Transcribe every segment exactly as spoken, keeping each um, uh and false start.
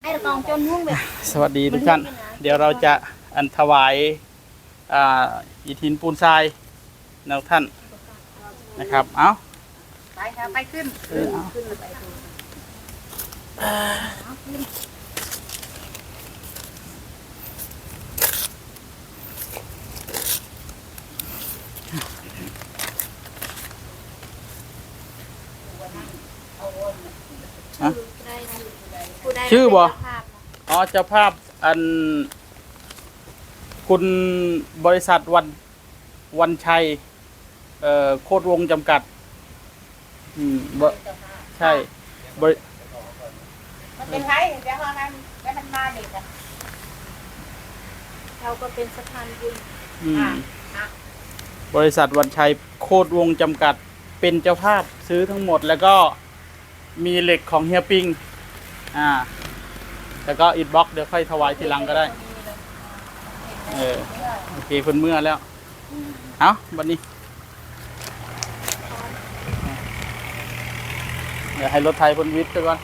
สวัสดีทุกท่านเดี๋ยวเราจะอันถวายอ่าอิฐหินปูนทรายนะท่านนะครับเอาไปค่ะไปขึ้นขึ้นไปชื่อบ่อ๋อเจ้าภาพอันคุณบริษัทวันวันชัยเอ่อโคตรวงจำกัดอืมบใช่บริมันเป็นไงเดี๋ยวเรานั้นแล้วมันมาเด็กอ่ะเราก็เป็นสะพานบุญบริษัทวันชัยโคตรวงจำกัดเป็นเจ้าภาพซื้อทั้งหมดแล้วก็มีเหล็กของเฮียปิงอ่าแล้วก็อิฐบล็อกเดี๋ยวค่อยถวายทีหลังก็ได้เออโอเคคนเมื่อแล้วเอาวันนี้เดี๋ยวให้รถไทยพ้นวิทย์ไปก่อน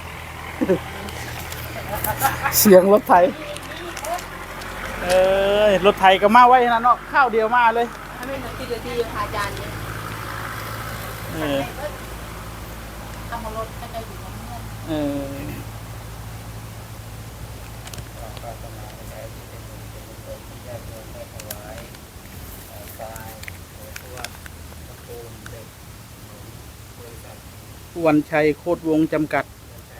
เสียงรถไทยเออรถไทยก็มาไว้นะเนาะข้าวเดียวมาเลยไม่เหมือนที่เดียวที่พาจานเนี่ยเออทำมารถก็จะอยู่ตรงนี้เออวันชัยโคตรวงจำกัด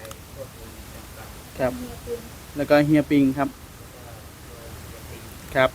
ครับแล้วก็เฮียปิงครับครับ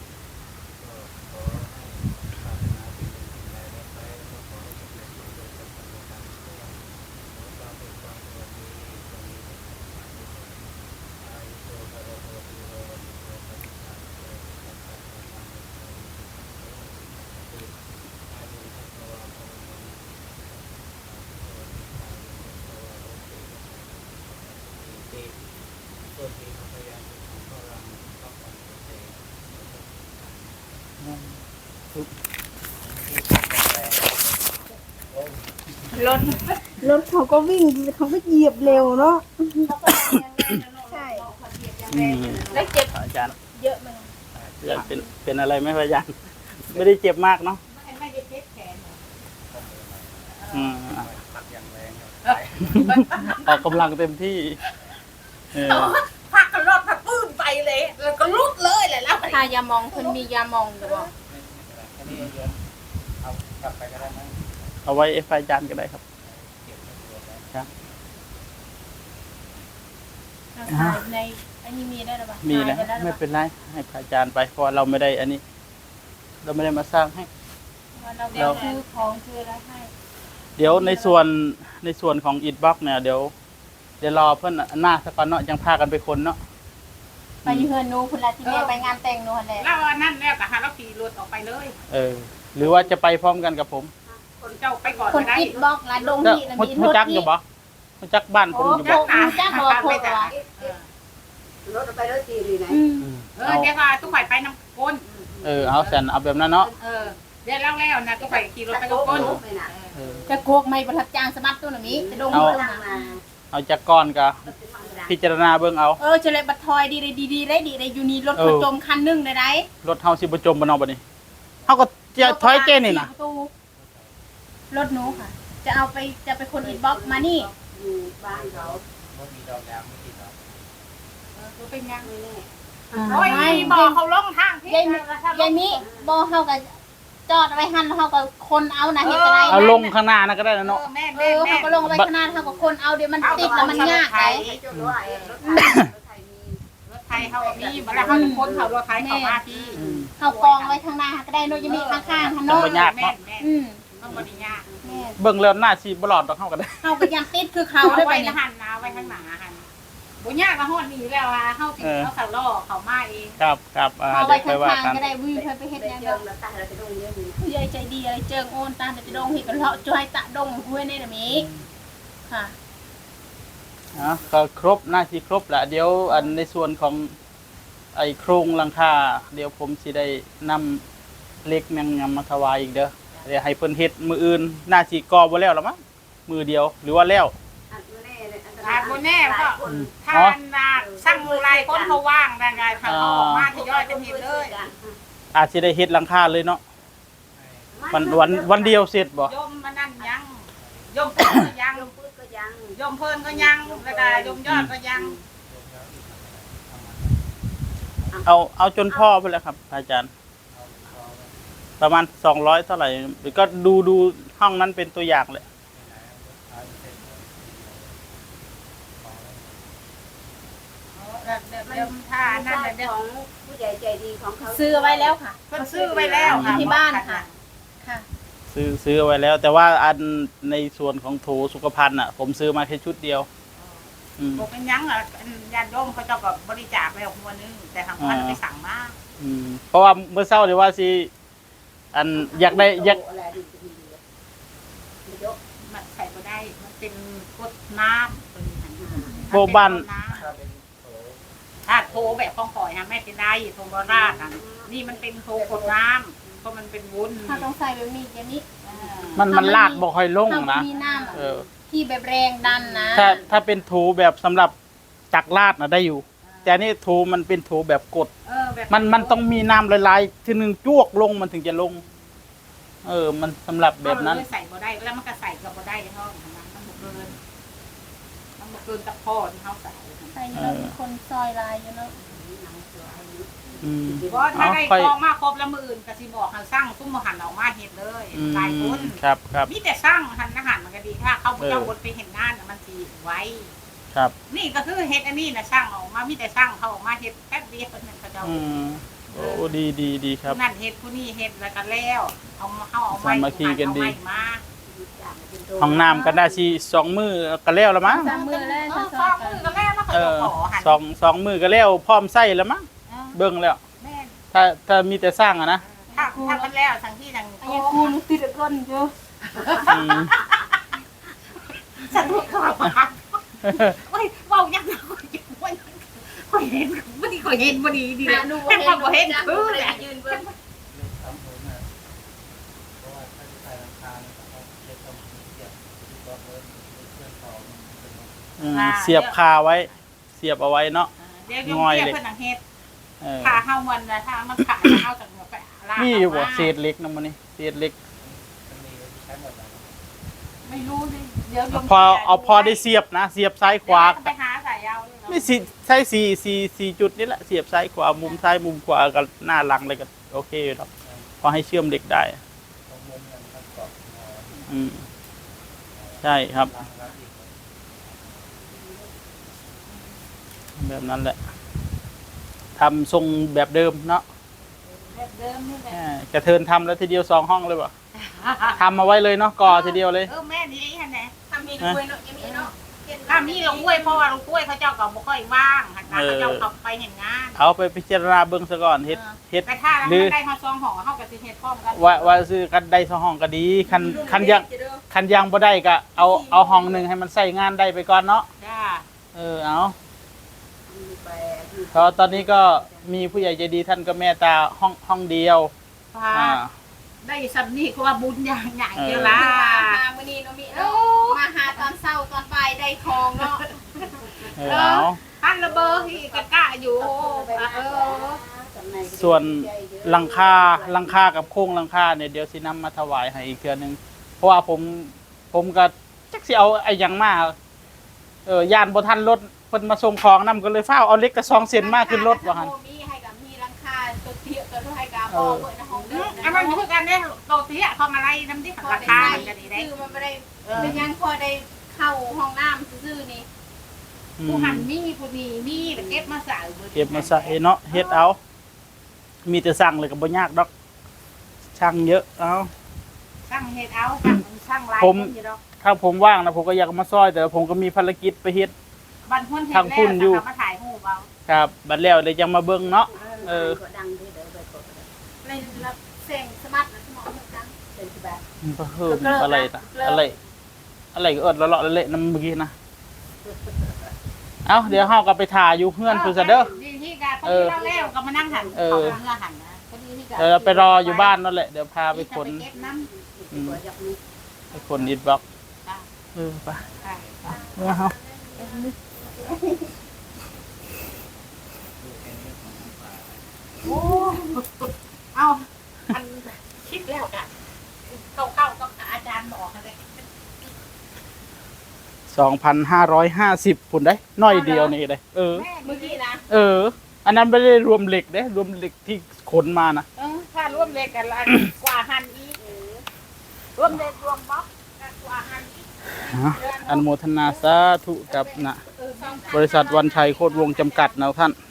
รถรถเขาก็วิ่งเขาก็เหยียบเร็วเนาะใช่แล้วเจ็บอาจารย์เยอะมั้ยเป็นเป็นอะไรไหมอาจารย์ไม่ได้เจ็บมากเนาะไม่ได้เจ็บแขนอืมออกกำลังเต็มที่พักรถพักปื้นไปเลยแล้วก็ลุดเลยแหละแล้วทายามองคนมียามองอยู่บ่เอากลับไปก็ได้มั้ยเอาไว้เอฟอาจารย์ก็ได้ครับครับในอันนี้มีได้หรือเปล่ามีนะไม่เป็นไรให้อาจารย์ไปเพราะเราไม่ได้อันนี้เราไม่ได้มาสร้างให้เราคือของคืออะไรให้เดี๋ยวในส่วนในส่วนของอิฐบล็อกเนี่ยเดี๋ยวเดี๋ยวรอเพื่อนหน้าสักก่อนเนาะยังพากันไปคนเนาะไปเฮือนนูคุณละที่แม่ไปงานแต่งนูแหละแล้วนั่นแล้วก็หาเราขี่รถออกไปเลยเออหรือว่าจะไปพร้อมกันกับผมคนเจ้าไปก่อนคนอิฐบล็อกละดงที่มีรถจักรอยู่บ่จักบ้านคนอยู่บ่จักรบ่พูดว่ารถไปรถจีดีไหนเออเดี๋ยวว่าต้องไปไปน้ำก้นเออเอาแสนเอาแบบนั้นเนาะเออเดี๋ยวแล้วแล้วนะต้องไปขี่รถไปกับก้นจะโกกไม่ประทับจางสมัครตัวนี้จะดงเอาเอาจากก้อนกะพิจารณาเบิ่งเอาเออจะเลยบัดทอยดีเลยดีๆได้ดีเลยอยู่นี่รถประจมคันนึงได้ได้รถเฮาสิประจมบ่เนาะบัดนี้เฮาก็จะถอยเจนี่น่ะรถหนูค่ะจะเอาไปจะไปคนอินบ็อกมานี่อยู่บ้านเขาบ่มีดอกยางไม่ติดหรอกเออเป็นยังนี่โอ้ยบ่เขาลงทางพี่ยายยายมิบ่เฮาก็จอดไว้หั่นเฮาก็คนเอานะเฮ็ดจังได๋เอาลงข้างหน้านะก็ได้เนาะเออเฮาก็ลงไว้ข้างหน้าเฮาก็คนเอาเดี๋ยวมันติดแล้วมันยากไงรถไทยเฮามีบ่แล้วเฮาคนเขารถไทยเข้ามาพี่เฮากองไว้ข้างหน้าก็ได้เนาะยายมิข้างๆหั่นเนาะบ่ยากเนาะอืมมันบ่ได้ยากเบิ่งแล้วหน้าสิบ่รอดดอกเฮาก็ได้เฮาก็ยังติดคือเขาได้ไปหั่นนะไว้ข้างหน้าหั่นบ่ยากว่าฮอดนี่แล้วว่าเฮาสิเฮาเข้าล่อเข้ามาเองครับครับเอ่อเดี๋ยวไปว่ากันก็ได้วิวไปเฮ็ดหยังดอกตาเราจะดงเยอะนี่ผู้ใหญ่ใจดีอะไรเจิงโอนตาจะดงเฮ็ดกันเลาะจ่อยตะดงห้วยนี่น่ะมีค่ะอ๋อก็ครบหน้าที่ครบแล้วเดี๋ยวอันในส่วนของไอ้โครงหลังคาเดี๋ยวผมสิได้นำเหล็กแมงมาถวายอีกเด้อเดี๋ยวให้เพิ่นเฮ็ดมื้ออื่นหน้าสิก่อบ่แล้วล่ะมั้งมื้อเดียวหรือว่าแล้วอาจบ่แน่ก็ทานนาสั่งลคนเขาว่างได้ไงถ้าเขาออกมาทยอยจะเห็นเลยอาจจะได้เฮ็ดหลังคาเลยเนาะวันวันวันเดียวเสร็จบ่ยมมานั่นยังยมเพิ่นก็ยังยมเพิ่นก็ยังยมเพิ่นก็ยังแล้วก็ยมยอดก็ยังเอาเอาจนพ่อไปแล้วครับ อาจารย์ ประมาณสองร้อยเท่าไหร่หรือก็ดูดูห้องนั้นเป็นตัวอย่างเลยเดิมท่านั่นเดิขมองผู้ใหญ่ใจดีของเขาซื้อไว้แล้วค่ะเพิ่นซื้อไว้แล้วค่ะที่บ้านค่ะค่ะซื้อซื้อไว้แล้ว แต่ว่าอันในส่วนของโถสุขภัณฑ์อ่ะ ผมซื้อมาแค่ชุดเดียว อืมบอกเป็นยังอ่ะญาติโยมเขาเจ้าก็บริจาคไปออกมวลนึงแต่ทางพันไปสั่งมาอืมเพราะว่าเมื่อเช้าเดี๋ยวว่าสิอันอยากได้อยากมันใส่ก็ได้มันเป็นกดน้ำเป็นหันหาโบบ้านถ้าโทรแบบของข่อยฮะไม่เป็นได้โทรบราดอ่ะนี่มันเป็นโทรกดน้ำเพราะมันเป็นวุ้นถ้าต้องใส่แบบนี้อย่างนี้มันมันลาดบ่ค่อยลงถ้านะมีน้เออำที่แบบแรงดันนะถ้าถ้าเป็นโถแบบสำหรับจักรลาดนะได้อยู่ แต่อันนี่โถมันเป็นโถแบบกดเออแบบมันมันต้องมีน้ำละลายทีหนึ่งจวกลงมันถึงจะลง เออ มันสำหรับแบบนั้นใส่บ่ได้แล้วมันก็ใส่กับบ่ได้ห้องทำไมมันบ่เกินมันบ่เกินตะพ่อที่เขาใส่ใส่อยู่แล้วมีคนซอยลายอยู่แล้วอืมเพราะถ้าได้เอาค่อยกองมาครบแล้วมืออื่นก็สิบอกให้สร้างซุ้มหันออกมาเฮ็ดเลยอืมหลายคนครับครับมีแต่สร้างหันอาหารมันก็ดีถ้าเขาบ่เจ้าเออบนไปเห็นงานน่ะมันสิไว้ครับนี่ก็คือเฮ็ดอันนี้น่ะสร้างออกมามีแต่สร้างเขาออกมาเฮ็ดแป๊บเดียวเพิ่นนเขาเจ้าอืมโอ้ดีดีดีครับผู้นั่นเฮ็ดผู้นี้เฮ็ดแล้วก็แล้วเอามาเฮาเอาไม้สามัคคีกันดีเอาไม้มาห้องน้ำกันได้ชีสองมือก็แล้วละมั้งสามมือแล้วเอจะอซสออย งกัมืนอก็แล้วแล้วก็เอจะอขอหันสองสองมือก็แล้วพร้อมใส่แล้วมั้งเออเบิ่งแล้วแม่นถ้าถ้ามีแต่สร้างอะนะถ้าถ้ามันแล้วทั้งที่ทั้งอันนี้คูณติดก้นเยอะอืมฉันไม่เคยมาโอ้ยเว้ายังไงข่อยเห็นบ่ดีข่อยเห็นบ่ดีดีแล้วแต่ข่อยบ่เห็นคือแหละยืนเบิ่งอืมเสียบคาไว้ เสียบเอาไว้เนาะเดี๋ยวโยมเทียบเพิ่นหนังเฮ็ดเออถ้าเฮามันนะถ้ามันขาดเฮาจากไปลากมีอยู่บ่เามาเศษเหล็กนำมื้อนี้เศษเหล็กไม่รู้สิเดี๋ยวโยมพอเอาพอได้เสียบนะ เสียบซ้ายขวาไปหาสายยาวเลยเนาะไม่สิใช่สี่สี่สี่จุดนี่แหละเสียบซ้ายขวามุมซ้ายมุมขวากับหน้าหลังเลยก็โอเคอยู่ครับพอให้เชื่อมเหล็กได้อืมใช่ครับ แบบนั้นแหละทำทรงแบบเดิมเนาะแบบเดิมนี่แหละแหมกระเทินทำแล้วทีเดียวสองห้องเลยป่ะทำมาไว้เลยเนาะก่อทีเดียวเลยเออแม่นี่ฮะแหละทำมีด้วยเนาะยังมีเนาะถ้ามีลงกล้วยเพราะว่าลงกล้วยเขาเจ้าก็บ่ค่อยว่างหันนะเขาเจ้าเขาไปเห็นงานเอาไปพิจารณาเบื้องซะก่อนเฮ็ดเฮ็ดแต่ถ้าแล้วหรือมันได้มาซองห่อเฮาก็สิเฮ็ดพร้อมกันว่าว่าซื้อกันได้สองห้องก็ดีคันคันยังคันยังบ่ได้ก็เอาเอาห้องหนึ่งให้มันใส่งานได้ไปก่อนเนาะจ้าเออเอาเพราะตอนนี้ก็มีผู้ใหญ่ใจดีท่านก็เมตตาห้องห้องเดียวพาอ่าได้สำนีก็ว่าบุญอย่างใหญ่เออเดียวมาล่ะมามื้อนี้เนาะมีเนาะมาหาตอนเช้าตอนบ่ายได้ทองเนาะเออเอาท่านระเบอร์ที่กะกะอยู่เออส่วนหลังคาหลังคากับโครงหลังคาเนี่ยเดี๋ยวสินำมาถวายให้อีกเทื่อนึงเพราะว่าผมผมก็จักสิเอาไอ้หยังมาเออย่านบ่ทันรถเพิ่นมาส่งของนำก็เลยฟ้าวเอาเหล็กกระซองเส้นมาขึ้นรถว่าหั่นมีให้กับมีราคาตัวเตี้ยตัวให้กับบ่เปิดในห้องเดิมอันนั้นคือกันเนี่ยโตเตี้ยเขามาไล่น้ำดิพอราได้คาใส่มันจะดีได้คือมันไม่ได้เป็นยังพอได้เข้าห้องน้ำซื่อๆนี่อืผู้มหันมีผู้นี้มีแต่เก็บมาใส่เก็บมาใส่เนาะเฮ็ดเอา มีแต่สั่งเลยก็บ่ยากดอกช่างเยอะเอาช่างเฮ็ดเอาค่ะช่างลายผมคนอยู่ดอกถ้าผมว่างนะผมก็อยากมาซอย แต่ผมก็มีภารกิจไปเฮ็ดบันพุ่นเฮ็ดทางพุ่นอยู่แล้วมาถ่ายรูปเอาครับบัดแล้วเลยยังมาเบิ่งเนาะเออในรับเสียงสมัครนะสมองจังเพิ่มอะไรนะอะไร อะไรก็เอิดเลาะๆเละๆนำเมื่อกี้นะเอ้าเดี๋ยวเฮาก็ไปถ่ายอยู่เพื่อนพุ่นซะเด้อดีที่กันพอดีเราแล้วก็มานั่งหันเออเขาเมื่อหันนะพอดีที่กันเดี๋ยวเราไปรออยู่บ้านนั่นแหละเดี๋ยวพาไปขนเก็บน้ำอืมไปขนอิฐบล็อกจ้ะเออไปใช่เออเฮาโอ้เอาอันคิดแล้วกันเข้าเข้าๆกับอาจารย์บอกเลยสองพันห้าร้อยห้าสิบพุ่นได้น้อยเดียวนี่ได้เออแม่เมื่อกี้นะเออ อันนั้นไม่ได้รวมเหล็กเด้รวมเหล็กที่ขนมานะเออถ้าร่วมเลขกันละกว่าหันอีกรวมเลขรวมบล็อกกันกว่าหันอีกอ่ะอนุโมทนาสาธุกับนะเออสองพันบริษัทวันชัยโคตรวงศ์จำกัดนะท่าน